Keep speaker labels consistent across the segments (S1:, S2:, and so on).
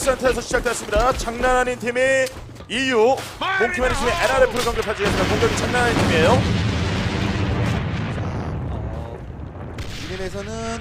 S1: 센터에서 시작됐습니다. 장난 아닌 팀이 EU, 몽키맨이 팀이 NRF를 공격하지겠습니다. 공격이 장난 아닌 팀이에요.
S2: 이름에서는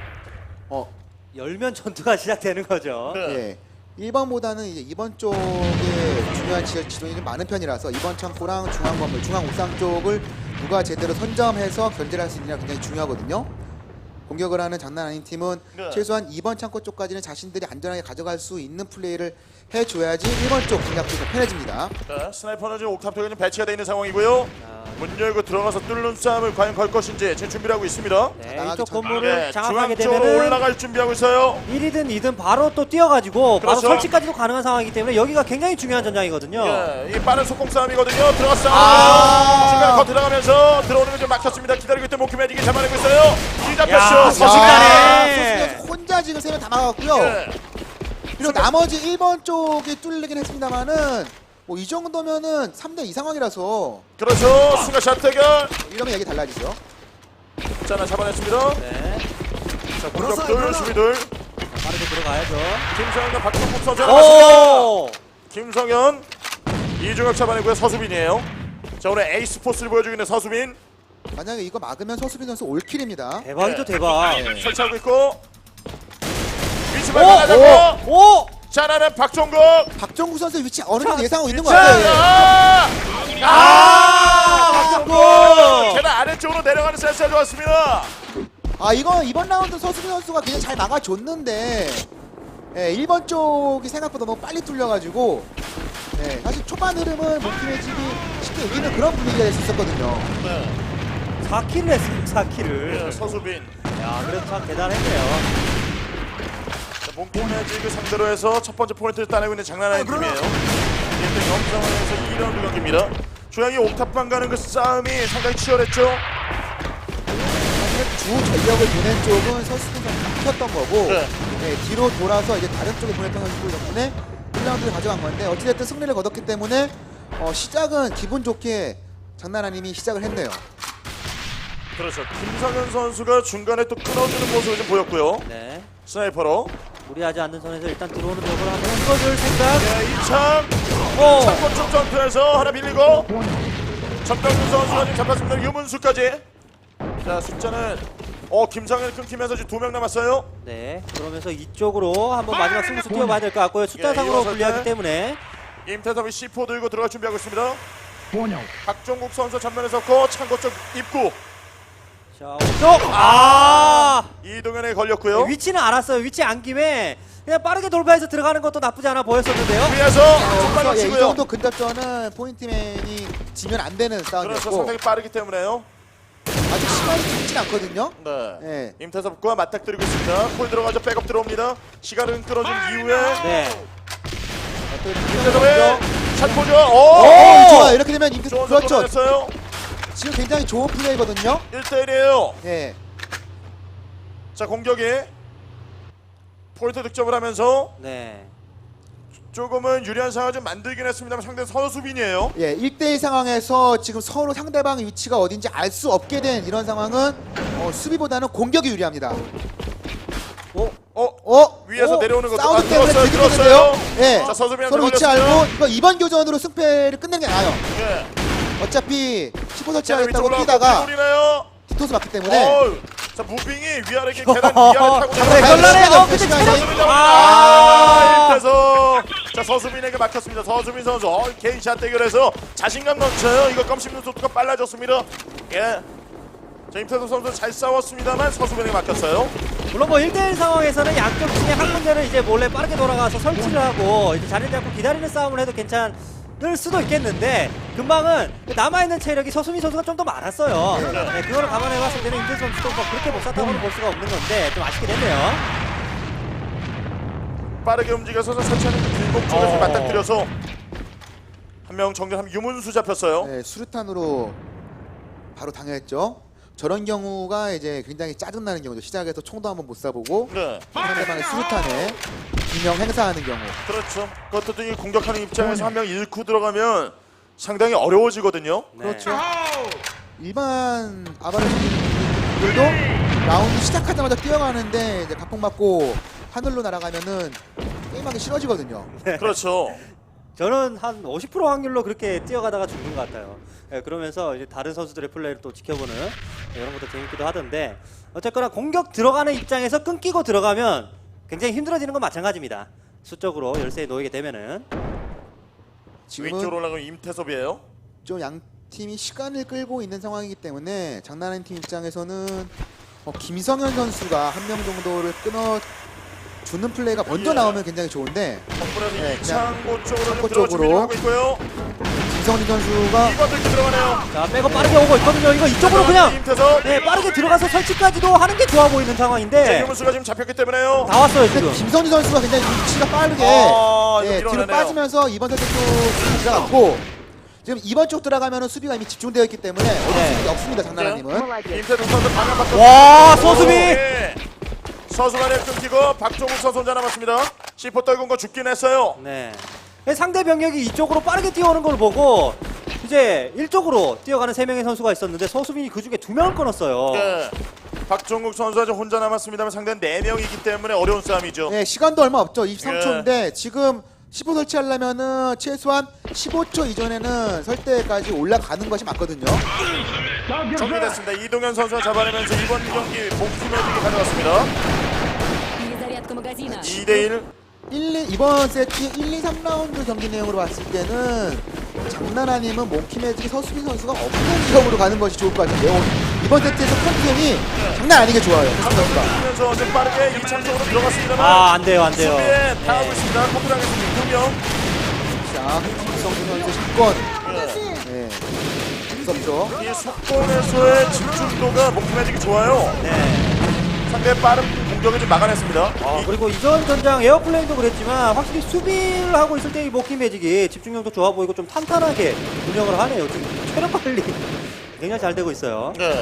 S3: 열면 전투가 시작되는 거죠.
S1: 네.
S2: 예, 1번보다는 이제 2번 쪽에 중요한 지도인이 좀 많은 편이라서 2번 창고랑 중앙 건물, 중앙 옥상 쪽을 누가 제대로 선점해서 견제를 할 수 있느냐 굉장히 중요하거든요. 공격을 하는 장난 아닌 팀은
S1: 네.
S2: 최소한 2번 창고 쪽까지는 자신들이 안전하게 가져갈 수 있는 플레이를 해줘야지 1번 쪽 공략도 더 편해집니다.
S1: 자, 스나이퍼는 지금 옥탑쪽에 배치가 되어 있는 상황이고요. 문 열고 들어가서 뚫는 싸움을 과연 걸 것인지 지금 준비를 하고 있습니다.
S3: 네,
S2: 나가기
S3: 이쪽
S2: 전-
S3: 건물을
S1: 네,
S3: 장악하게
S1: 중앙 쪽으로
S3: 되면은
S1: 올라갈 준비하고 있어요.
S3: 1이든 2든 바로 또 뛰어가지고 바로
S1: 그렇죠.
S3: 설치까지도 가능한 상황이기 때문에 여기가 굉장히 중요한 전장이거든요.
S1: 예, 이 빠른 속공 싸움이거든요. 들어갔어요. 중간 거 들어가면서 들어오는 걸 좀 막혔습니다. 기다리고 있던 몽키 매직이 잡아내고 있어요. 이
S3: 야,
S1: 잡혔죠.
S3: 순식간에.
S2: 소수가 혼자 지금 3명 다 막았고요.
S1: 예.
S2: 그리고 나머지 1번 쪽이 뚫리긴 했습니다만은 뭐 이 정도면은 3대2 상황이라서
S1: 그렇죠. 순간 샷 대결.
S2: 이러면 얘기 달라지죠.
S1: 자, 하나 잡아냈습니다.
S3: 네,
S1: 자, 공격들, 수비들.
S3: 빠르게 들어가야죠.
S1: 김성현과 박동국 선수 나왔습니다.
S3: 오!
S1: 김성현, 이중혁 잡아내고요. 서수빈이에요. 자, 오늘 에이스 포스를 보여주고 있는 서수빈.
S2: 만약에 이거 막으면 서수빈 선수 올킬입니다.
S3: 대박이죠,
S1: 네.
S3: 대박.
S1: 설치하고 있고. 위치 발견하자고.
S3: 오!
S1: 자, 나는 박종국.
S2: 박정구 선수의 위치 어느 정도
S3: 자,
S2: 예상하고 있는 것
S1: 자,
S2: 같아요.
S1: 박종국. 계단 아래쪽으로 내려가는 센스가 좋았습니다.
S2: 아 이거 이번 라운드 서수빈 선수가 그냥 잘 막아줬는데 1번 쪽이 생각보다 너무 빨리 뚫려가지고 사실 초반 흐름은 몽키매직이 쉽게 이기는 그런 분위기가 될 수 있었거든요.
S1: 네.
S3: 4킬을 했습니다, 4킬을.
S1: 예, 서수빈.
S3: 야, 그래도 참 대단했네요.
S1: 몽키매직을 상대로 해서 첫 번째 포인트를 따내고 있는 장난 아닌 팀이에요. 일단 영상에서 2라운드 경기입니다. 조양이 옥탑방 가는 그 싸움이 상당히 치열했죠.
S2: 사실 주 전력을 보낸 쪽은 서수빈 선수가 막혔던 거고
S1: 네.
S2: 뒤로 돌아서 이제 다른 쪽에 보냈던 선수들 덕분에 1라운드를 가져간 건데 어찌됐든 승리를 거뒀기 때문에 시작은 기분 좋게 장난 아님이 시작을 했네요.
S1: 그렇죠. 김성현 선수가 중간에 또 끊어주는 모습을 좀 보였고요.
S3: 네.
S1: 스나이퍼로.
S3: 무리하지 않는 선에서 일단 들어오는 벽을 한번 묶어줄 생각.
S1: 네, 이창.
S3: 오!
S1: 창고 쪽 전투에서 하나 밀리고. 정병준 선수가 지금 잡았습니다. 유문수까지. 자, 숫자는 김성현 끊기면서 지금 2명 남았어요.
S3: 네, 그러면서 이쪽으로 한번 마지막 승부수 뛰어봐야 될 것 같고요. 숫자상으로
S1: 이어서
S3: 불리하기
S1: 때.
S3: 때문에.
S1: 임태섭이 C4 들고 들어갈 준비하고 있습니다. 박종국 선수 전면에 섰고 창고 쪽 입구.
S3: 자, 오쪽!
S1: 이동현에 걸렸고요.
S3: 위치는 알았어요. 위치 안 김에 그냥 빠르게 돌파해서 들어가는 것도 나쁘지 않아 보였었는데요.
S1: 위에서
S2: 이
S1: 정말 놓치고요.
S2: 정도 근접전은 포인트맨이 지면 안 되는
S1: 그래서
S2: 싸움이었고
S1: 상당히 빠르기 때문에요.
S2: 아직 시간이 길진 않거든요.
S1: 네.
S2: 네.
S1: 임태섭과 맞닥뜨리고 있습니다. 폴 들어가죠. 백업 들어옵니다. 시간을 끌어준 이후에
S3: 네.
S1: 임태섭의 샷포죠.
S2: 좋아요. 이렇게 되면 임태
S1: 좋은
S2: 그렇죠.
S1: 선수였어요.
S2: 지금 굉장히 좋은 플레이거든요.
S1: 1대1이에요.
S2: 예.
S1: 자, 공격이 포인트 득점을 하면서
S3: 네.
S1: 조금은 유리한 상황을 좀 만들긴 했습니다만 상대 서수빈이에요.
S2: 예, 1대1 상황에서 지금 서로 상대방의 위치가 어딘지 알 수 없게 된 이런 상황은 수비보다는 공격이 유리합니다.
S1: 위에서 내려오는 것도
S2: 사운드 때문에
S1: 들었어요.
S2: 되게
S1: 들었어요.
S2: 되는데요. 예.
S1: 자, 서수빈한테
S2: 서로 위치
S1: 걸렸어요.
S2: 알고 이거 이번 교전으로 승패를 끝내는 게 나아요.
S1: 예.
S2: 어차피 15
S1: 계단
S2: 설치하겠다고
S1: 위쪽으로
S2: 뛰다가
S1: 뛰다가
S2: 디토스 맞기 때문에
S1: 자, 무빙이 위아래 이렇게 계단 위아래 타고
S3: 네,
S1: 내려가요.
S3: 곤란해요. 근데
S2: 시간이
S3: 체력.
S1: 일대서 자, 서수빈에게 막혔습니다. 서수빈 선수 개인샷 대결에서 자신감 넘쳐요. 이거 껌씹는 속도가 빨라졌습니다. 예. 자, 임태섭 선수 잘 싸웠습니다만 서수빈에게 막혔어요.
S3: 물론 뭐 1대1 상황에서는 양쪽 중에 한 군데를 이제 몰래 빠르게 돌아가서 설치를 하고 이제 자리 잡고 기다리는 싸움을 해도 괜찮을 수도 있겠는데 금방은 남아있는 체력이 서수민 선수가 좀 더 많았어요. 네, 그거를 감안해봤을 때는 임태 선수도 뭐 그렇게 못 쐈다고는 볼 수가 없는 건데 좀 아쉽게 됐네요.
S1: 빠르게 움직여서 설치하는 그 길목 쪽에서 맞닥뜨려서 한 명 정리하면 유문수 잡혔어요.
S2: 네, 수류탄으로 바로 당했죠. 저런 경우가 이제 굉장히 짜증나는 경우죠. 시작에서 총도 한번 못 쏴보고
S1: 네.
S2: 상대방의 수류탄에 균형 행사하는 경우.
S1: 그렇죠. 그것도 이 공격하는 입장에서 한 명 잃고 들어가면 상당히 어려워지거든요.
S3: 네.
S2: 그렇죠. 일반 아바르들도 라운드 시작하자마자 뛰어가는데 이제 각폭 맞고 하늘로 날아가면은 게임하기 싫어지거든요.
S1: 그렇죠.
S3: 저는 한 50% 확률로 그렇게 뛰어가다가 죽는 것 같아요. 예, 그러면서 이제 다른 선수들의 플레이를 또 지켜보는 이런 것도 재밌기도 하던데 어쨌거나 공격 들어가는 입장에서 끊기고 들어가면 굉장히 힘들어지는 건 마찬가지입니다. 수적으로 열세에 놓이게 되면은
S2: 지금은
S1: 왼쪽으로 올라가면 임태섭이에요.
S2: 좀 양 팀이 시간을 끌고 있는 상황이기 때문에 장난하는 팀 입장에서는 김성현 선수가 한 명 정도를 끊어 주는 플레이가 먼저
S1: 예.
S2: 나오면 굉장히 좋은데
S1: 정문에서
S2: 네,
S1: 이창고 쪽으로
S2: 창고
S1: 들어 준비를
S2: 쪽으로.
S1: 하고 있고요.
S2: 김성현 선수가
S1: 이번 들기 들어가네요.
S3: 자 백업 빠르게 오고 있거든요. 이거 이쪽으로 그냥
S1: 임태섭.
S3: 네, 빠르게 들어가서 설치까지도 하는 게 좋아 보이는 상황인데
S1: 유문수가 지금 잡혔기 때문에요.
S3: 다 왔어요
S2: 근데
S3: 지금.
S2: 김선희 선수가 굉장히 위치가 빠르게
S1: 이거
S2: 뒤로
S1: 밀어내네요.
S2: 빠지면서 이번 세트 쪽 들어갔고 지금 이번 쪽 들어가면 수비가 이미 집중되어 있기 때문에 어쩔 수 없습니다. 장난아님은
S1: 임태섭 선수 방향 바꿔.
S3: 와, 서수비!
S1: 예. 서수만에 끊기고 박종욱 선수 혼자 남았습니다. C4 떨군 거 죽긴 했어요.
S3: 네. 상대 병력이 이쪽으로 빠르게 뛰어오는 걸 보고 이제 일쪽으로 뛰어가는 3명의 선수가 있었는데 서수빈이 그 중에 2명을 끊었어요.
S1: 예. 박종욱 선수가 지금 혼자 남았습니다만 상대는 4명이기 때문에 어려운 싸움이죠.
S2: 네, 시간도 얼마 없죠. 23초인데 지금 15 설치하려면은 최소한 15초 이전에는 설대까지 올라가는 것이 맞거든요.
S1: 정리됐습니다. 이동현 선수가 잡아내면서 이번 경기 목숨 매직이 가져갔습니다.
S4: Перезарядка магазина.
S1: 2대1.
S2: 이번 세트 1, 2, 3라운드 경기 내용으로 봤을 때는 장난 아니면 몽키 매직이 서수빈 선수가 없는 지역으로 가는 것이 좋을 것 같은데요. 이번 세트에서 컨디션이 장난 아니게 좋아요. 서수빈 선수가.
S1: 하면서 좀 빠르게 이창 쪽으로 들어갔습니다만
S3: 아, 안 돼요, 안 돼요.
S1: 수비에 다 하고
S3: 네.
S1: 있습니다. 컨트롤하겠습니다. 2명.
S2: 자, 김성준 선수 10권. 네. 무섭죠.
S1: 이 속권에서의 집중도가 목숨 매직이 좋아요.
S3: 네.
S1: 상대의 빠른 공격을 좀 막아냈습니다.
S3: 아, 그리고 이전 전장 에어플레인도 그랬지만 확실히 수비를 하고 있을 때 이 모키 매직이 집중력도 좋아 보이고 좀 탄탄하게 운영을 하네요. 지금 체력 관리 굉장히 잘 되고 있어요.
S1: 네.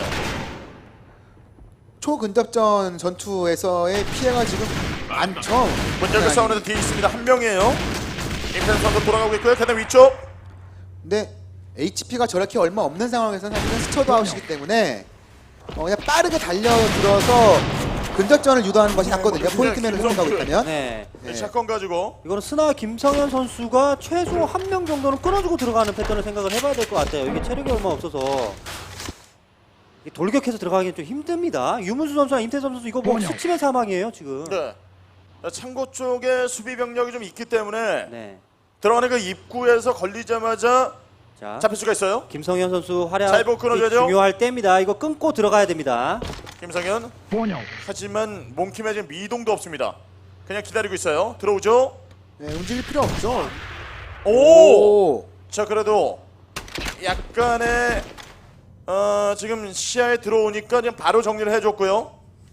S2: 초근접전 전투에서의 피해가 지금 많죠.
S1: 문제가 싸우는데 뒤에 있습니다. 한 명이에요. 임태섭 선수 돌아가고 있고요. 계단 위쪽.
S2: 근데 HP가 저렇게 얼마 없는 상황에서는 사실은 스쳐도 아웃이기 때문에 그냥 빠르게 달려들어서 근접전을 유도하는 것이 낫거든요. 포인트맨을 생각하고 있다면.
S3: 네.
S2: 네.
S1: 샷건 가지고
S3: 이거는 스나 김성현 선수가 최소 한 명 정도는 끊어주고 들어가는 패턴을 생각을 해봐야 될 것 같아요. 이게 체력이 얼마 없어서 이게 돌격해서 들어가기는 좀 힘듭니다. 유문수 선수와 임태섭 선수 이거 뭐 스치면 사망이에요 지금.
S1: 네. 창고 쪽에 수비 병력이 좀 있기 때문에
S3: 네.
S1: 들어가는 그 입구에서 걸리자마자
S3: 자,
S1: 잡힐 수가 있어요.
S3: 김성현 선수
S1: 잘
S3: 활약
S1: 보고 끊어줘야죠.
S3: 중요할 때입니다. 이거 끊고 들어가야 됩니다.
S1: 김성현. 하지만 몽킴에 지금 미동도 없습니다. 그냥 기다리고 있어요. 들어오죠.
S2: 네, 움직일 필요 없죠.
S1: 오! 자 그래도 약간의 지금 시야에 들어오니까 그냥 바로 정리를 해줬고요.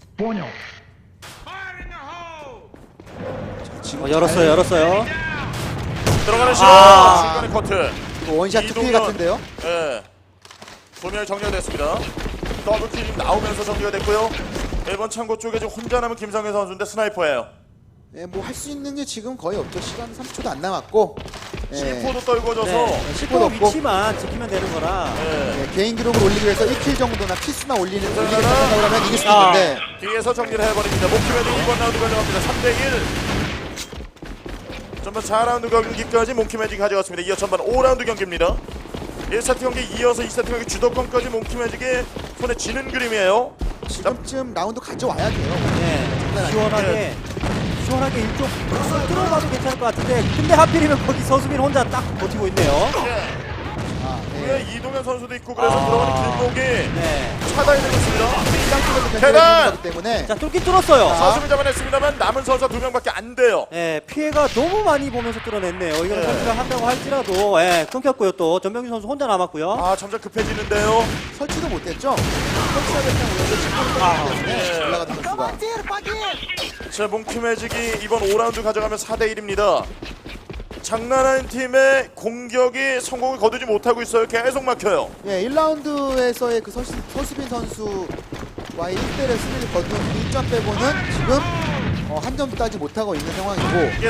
S2: 지금
S3: 열었어요, 열었어요.
S1: 들어가는 시야.
S3: 아.
S1: 중간에 커트.
S2: 원샷 투피
S1: 이동현.
S2: 같은데요.
S1: 예. 두 명이 정리가 됐습니다. 더블킬이 지금 나오면서 정리가 됐고요. 1번 창고 쪽에 지금 혼자 남은 김성현 선수인데 스나이퍼예요.
S2: 네, 뭐 할 수 있는 게 지금 거의 없죠. 시간 3초도 안 남았고. 네.
S1: C4도 떨궈져서
S3: 네.
S2: 씹어도
S3: 10호
S2: 없고.
S3: 위치만 지키면 되는 거라.
S1: 예.
S2: 네, 개인 기록을 올리기 위해서 1킬 정도나 키스나 올리는
S1: 하나.
S2: 생각을 하면 이길 수
S3: 아.
S2: 있는데
S1: 뒤에서 정리를 해버립니다. 목표에도 2번 라운드 가져갑니다. 3대1. 전반 4라운드 경기까지 몽키매직이 가져갔습니다. 이어 전반 5라운드 경기입니다. 1세트 경기 이어서 2세트 경기 주도권까지 몽키매직이 손에 쥐는 그림이에요.
S2: 지금쯤 라운드 가져와야 돼요.
S3: 네. 시원하게 일쪽 뚫어봐도 괜찮을 것 같은데 근데 하필이면 거기 서수빈 혼자 딱 버티고 있네요.
S1: 예.
S2: 아,
S1: 위에
S2: 네.
S1: 이동현 선수도 있고 그래서 들어가는 길목이
S3: 네.
S1: 차단이 되고 있습니다.
S2: 쌍쪽에서
S1: 계단!
S2: 거기 때문에
S3: 자, 뚫긴 뚫었어요.
S1: 사수를 잡아냈습니다만 남은 선수가 2명밖에 안 돼요.
S3: 네, 피해가 너무 많이 보면서 뚫어냈네요. 이거는
S1: 네.
S3: 설치를 한다고 할지라도 끊겼고요. 또 전병준 선수 혼자 남았고요.
S1: 아 점점 급해지는데요.
S2: 설치도 못했죠. 설치하겠다고 해서 10분
S1: 네.
S2: 올라가던 선수가.
S1: 자 몽키매직이 이번 5라운드 가져가면 4대1입니다. 장난하는 팀의 공격이 성공을 거두지 못하고 있어요. 계속 막혀요.
S2: 예, 1라운드에서의 그 서수빈 선수와의 1대1의 승리를 거둔 1점 빼고는 지금 한 점도 따지 못하고 있는 상황이고
S1: 예.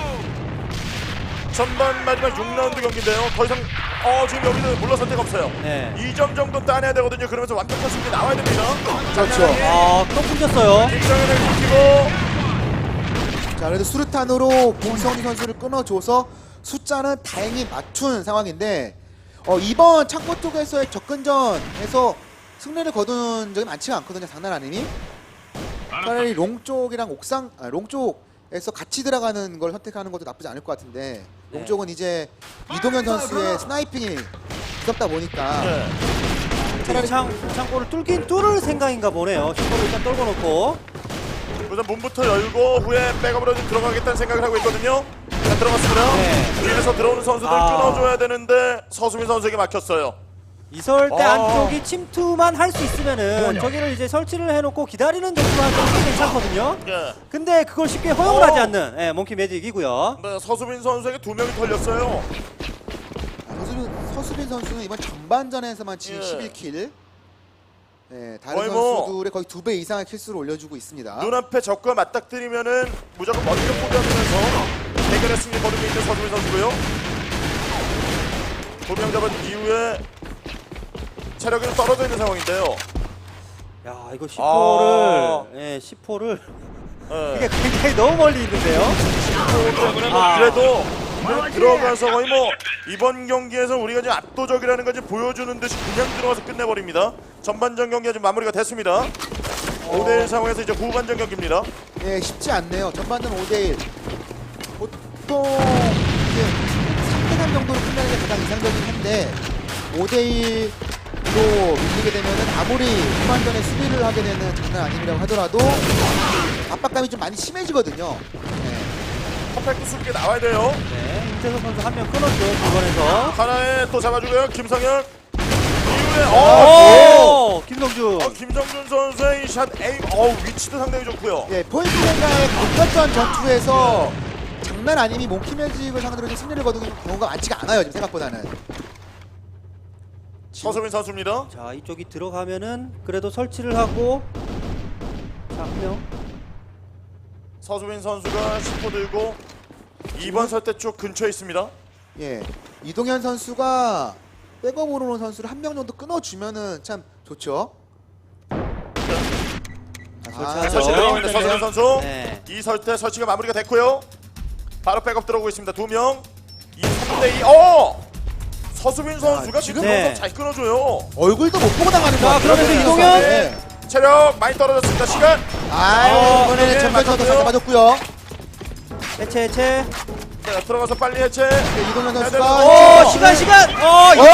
S1: 전반 마지막 6라운드 경기인데요. 더 이상 지금 여기는 물러설 데가 없어요.
S3: 네.
S1: 2점 정도 따내야 되거든요. 그러면서 완벽한 승리 나와야 됩니다.
S2: 그렇죠.
S3: 또 끊겼어요.
S1: 김정현을 지키고
S2: 자 자, 그래도 수류탄으로 김성희 선수를 끊어줘서 숫자는 다행히 맞춘 상황인데 이번 창고 쪽에서의 접근전에서 승리를 거둔 적이 많지가 않거든요. 장난 아니니? 차라리 롱 쪽이랑 롱 쪽에서 같이 들어가는 걸 선택하는 것도 나쁘지 않을 것 같은데 롱
S3: 네.
S2: 쪽은 이제 이동현 선수의 스나이핑이 무섭다 보니까
S1: 네.
S2: 차라리
S3: 창고를 뚫을 생각인가 보네요. 슈퍼를 일단 떨궈 놓고.
S1: 우선 문부터 열고 후에 백업으로 좀 들어가겠다는 생각을 하고 있거든요. 자, 들어갔습니다.
S3: 네.
S1: 위에서 들어오는 선수들 끊어줘야 되는데 서수민 선수에게 막혔어요.
S3: 이설대
S1: 아.
S3: 안쪽이 침투만 할 수 있으면은 저기를 이제 설치를 해놓고 기다리는 정도만 하면 꽤 괜찮거든요.
S1: 예.
S3: 근데 그걸 쉽게 허용을 하지 않는 몽키 매직이고요.
S1: 네, 서수민 선수에게 2명이 털렸어요.
S2: 서수빈 선수는 이번 전반전에서만 지금
S1: 예.
S2: 11킬. 네, 다른
S1: 거의 뭐
S2: 선수들의 거의 2배 이상의 킬수를 올려주고 있습니다.
S1: 눈앞에 적과 맞닥뜨리면은 무조건 먼저 포기하면서 대결의 승리 거두고 있는 서수민 선수고요. 2명 잡은 이후에 체력이 좀 떨어져 있는 상황인데요.
S3: 야 이거 10호를
S1: 아.
S3: 10호를
S1: 예.
S3: 이게 굉장히 너무 멀리 있는데요.
S1: 때문에 뭐 그래도 들어가서 거의 뭐 이번 경기에서 우리가 지금 압도적이라는 걸 보여주는 듯이 그냥 들어가서 끝내버립니다. 전반전 경기가 지금 마무리가 됐습니다. 5대1 상황에서 이제 후반전 경기입니다.
S2: 네, 쉽지 않네요. 전반전 5대1. 보통 이제 3대3 정도로 끝나는 게 가장 이상적이긴 한데 5대1로 밀리게 되면은 아무리 후반전에 수비를 하게 되는 장난 아님이라고 하더라도 압박감이 좀 많이 심해지거든요. 네.
S1: 퍼펙트 수비가 나와야 돼요.
S3: 네, 임태석 선수 한 명 끊었죠 중간에서.
S1: 하나에 또 잡아주고요. 김성현 이후에
S3: 김성준.
S1: 김정준 선수의 이 샷 에임 위치도 상당히 좋고요.
S2: 예, 포인트랭가의 가깝던 전투에서 장난 아님이 몽키 매직을 상대로 좀 승리를 거두는 경우가 많지가 않아요. 지금 생각보다는.
S1: 서수민 선수입니다.
S3: 자 이쪽이 들어가면은 그래도 설치를 하고 자 한 명.
S1: 서수민 선수가 10호 들고 2번 설대 쪽 근처에 있습니다.
S2: 예, 이동현 선수가 백업으로 오는 선수를 한 명 정도 끊어주면은 참 좋죠.
S3: 설치하죠.
S1: 설치 들어갑니다. 서수민 선수.
S3: 네.
S1: 이 설대 설치가 마무리가 됐고요. 바로 백업 들어오고 있습니다. 2명. 3대2. 서수민 선수가 지금
S3: 네.
S1: 잘 끊어줘요.
S2: 얼굴도 못 보고 나가는 거
S3: 자,
S2: 같아요.
S3: 그러면서
S2: 네.
S3: 이동현!
S2: 네.
S1: 체력 많이 떨어졌습니다. 시간.
S2: 이번에는
S1: 네,
S2: 전반전도 잘
S1: 맞았고요.
S2: 잡아줬고요.
S3: 해체.
S1: 자, 들어가서 빨리 해체.
S2: 네, 이동현
S1: 네,
S2: 선수가
S1: 네,
S3: 시간.
S2: 이동현!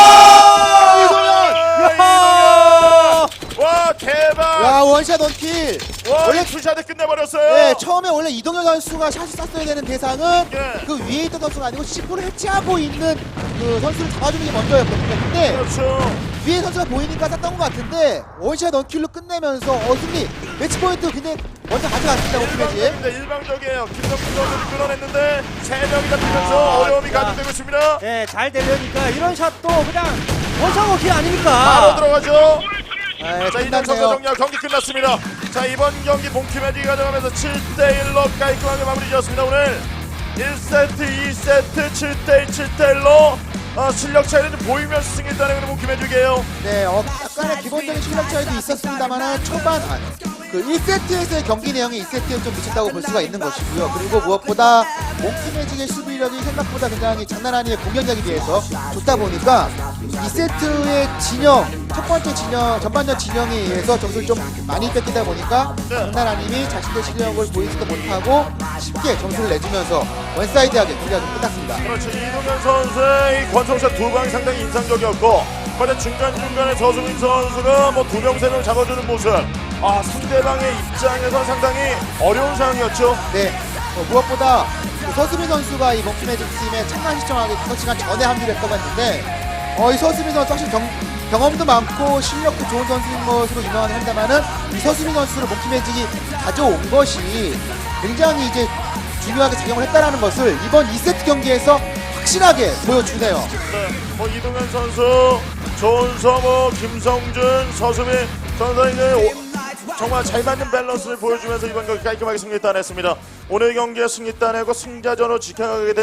S1: 와 대박.
S2: 야, 원샷 원킬.
S1: 와
S2: 원래
S1: 투샷에 끝내버렸어요.
S2: 네, 처음에 원래 이동현 선수가 샷을 쐈어야 되는 대상은
S1: 예.
S2: 그 위에 있던 선수가 아니고 10%를 해체하고 있는 그 선수를 잡아주는 게 먼저였거든요. 근데
S1: 그렇죠.
S2: 위에 선수가 보이니까 쐈던 것 같은데 원샷 원킬로 끝내면서 승리 매치 포인트 굉장히 먼저 가져갔습니다. 오키매지.
S1: 일방적이에요. 김성준 선수를 끌어냈는데 3명이 잡히면서 어려움이 가중되고 있습니다.
S3: 네, 잘 되려니까 이런 샷도 그냥 원샷 워킹
S1: 바로
S3: 아닙니까?
S1: 들어가죠.
S2: 네,
S1: 자, 이단 선수 정리하고 경기 끝났습니다. 자, 이번 경기 몽키매직이 가져가면서 7대1로 깔끔하게 마무리 지었습니다. 오늘 1세트, 2세트, 7대1, 7대1로 실력 차이는 보이면서 승리 따내는 몽키매직이에요.
S2: 네, 약간의 기본적인 실력 차이도 있었습니다만 초반 그 1세트에서의 경기 내용이 2세트에 좀 미쳤다고 볼 수가 있는 것이고요. 그리고 무엇보다 몽키매직의 수비력이 생각보다 굉장히 장난 아니의 공격력에 비해서 좋다 보니까 2세트의 진영, 첫 번째 진영, 전반전 진영에 의해서 점수를 좀 많이 뺏기다 보니까 장난 아님이 자신의 실력을 보이지도 못하고 쉽게 점수를 내주면서 원사이드하게 경기가 좀 끝났습니다.
S1: 그렇죠. 이동현 선수의 이 권총샷 2방이 상당히 인상적이었고 그런데 중간중간에 서수민 선수가 뭐 2명, 3명 잡아주는 모습 상대방의 입장에서 상당히 어려운 상황이었죠.
S2: 네, 무엇보다 그 서수민 선수가 이 몽키매직 팀에 참가 시청하기 5시간 전에 합류를 했다고 했는데 이 서수민 선수 확실히 경험도 많고 실력도 좋은 선수인 것으로 유명하긴 합니다만은 이 서수민 선수를 몽키매직이 가져온 것이 굉장히 이제 중요하게 작용을 했다라는 것을 이번 2세트 경기에서 확실하게 보여주네요.
S1: 네, 뭐 이동현 선수, 조은서, 김성준, 서수민 선수가 정말 잘 맞는 밸런스를 보여주면서 이번 경기 깔끔하게 승리 따냈습니다. 오늘 경기에 승리 따내고 승자전으로 지켜가게 되는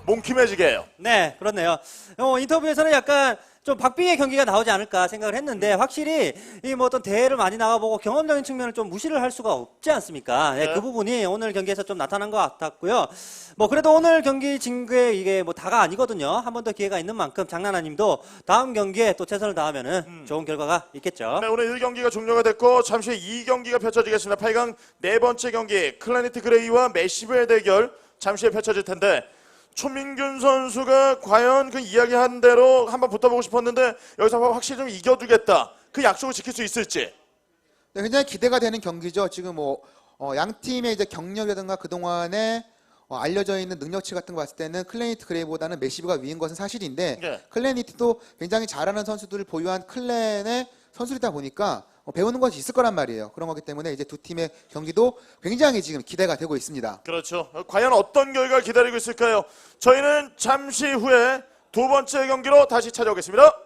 S1: 몽키매직이에요.
S3: 네, 그렇네요. 인터뷰에서는 약간 좀 박빙의 경기가 나오지 않을까 생각을 했는데 확실히 이 뭐 어떤 대회를 많이 나가보고 경험적인 측면을 좀 무시를 할 수가 없지 않습니까? 네,
S1: 네.
S3: 그 부분이 오늘 경기에서 좀 나타난 것 같았고요. 뭐 그래도 오늘 경기 진 게 이게 뭐 다가 아니거든요. 한 번 더 기회가 있는 만큼 장나나님도 다음 경기에 또 최선을 다하면은 좋은 결과가 있겠죠.
S1: 네, 오늘 1경기가 종료가 됐고 잠시 후 2경기가 펼쳐지겠습니다. 8강 네 번째 경기 클래니트 그레이와 메시브의 대결 잠시 후에 펼쳐질 텐데 초민균 선수가 과연 그 이야기한 대로 한번 붙어보고 싶었는데 여기서 확실히 좀 이겨주겠다. 그 약속을 지킬 수 있을지.
S2: 네, 굉장히 기대가 되는 경기죠. 지금 양 팀의 이제 경력이라든가 그동안에 알려져 있는 능력치 같은 거 봤을 때는 클래니트 그레이보다는 메시브가 위인 것은 사실인데
S1: 네.
S2: 클래니트도 굉장히 잘하는 선수들을 보유한 클랜의 선수이다 보니까 배우는 것이 있을 거란 말이에요. 그런 거기 때문에 이제 두 팀의 경기도 굉장히 지금 기대가 되고 있습니다.
S1: 그렇죠. 과연 어떤 결과를 기다리고 있을까요? 저희는 잠시 후에 두 번째 경기로 다시 찾아오겠습니다.